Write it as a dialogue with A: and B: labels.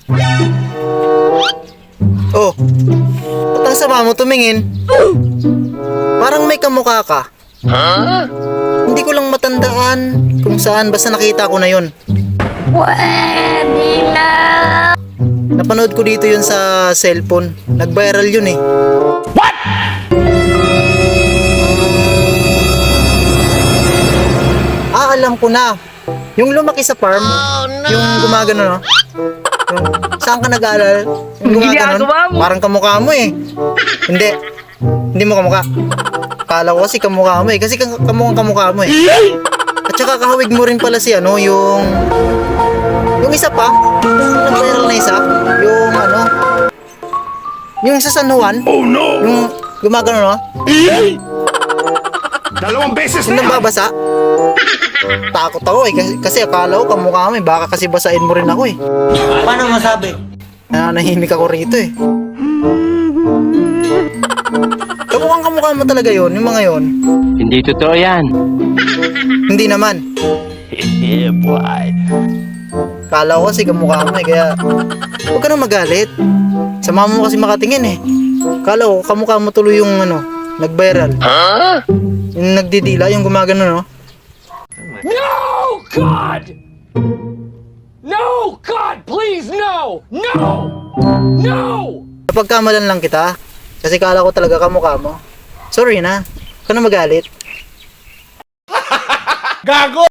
A: Oh, ba't ang sama mo tumingin? Parang may kamukha ka. Hindi ko lang matandaan kung saan, basta nakita ko na yun.
B: Pwede na.
A: Napanood ko dito yun sa cellphone. Nag-viral yun eh.
C: What?
A: Alam ko na. Yung lumaki sa farm, yung gumagano, no? Yung, saan ka nag-aaral? Yung gumagano, parang kamukha mo eh. Hindi mo kamukha. Kala ko kasi kamukha mo eh. Kasi kamukha mo eh. At saka kahawig mo rin pala si ano, yung isa pa, nag-viral na isa, yung ano, yung sa San Juan,
C: Oh no!
A: yung gumagano, no?
C: Dalawang beses
A: Yung
C: na yan!
A: nababasa. Takot ako eh, kasi akala ko kamukha mo eh, baka kasi basain mo rin ako eh.
D: Paano masabi?
A: Nanahimik ako rito eh. Kamukha mo talaga yon, yung mga yon.
E: Hindi totoo yan.
A: Hindi naman.
C: Yeah, boy.
A: Kala ko kasi kamukha mo eh, kaya huwag ka na magalit. Sama mo kasi makatingin eh. Kala ko kamukha mo tuloy yung ano, nag-viral. Yung nagdidila, yung gumagano, no?
F: No, God! No, God, please, no! No! No!
A: Napagkamalan lang kita. Kasi kala ko talaga kamukha mo. Sorry na. Huwag ka na magalit.
C: Gago!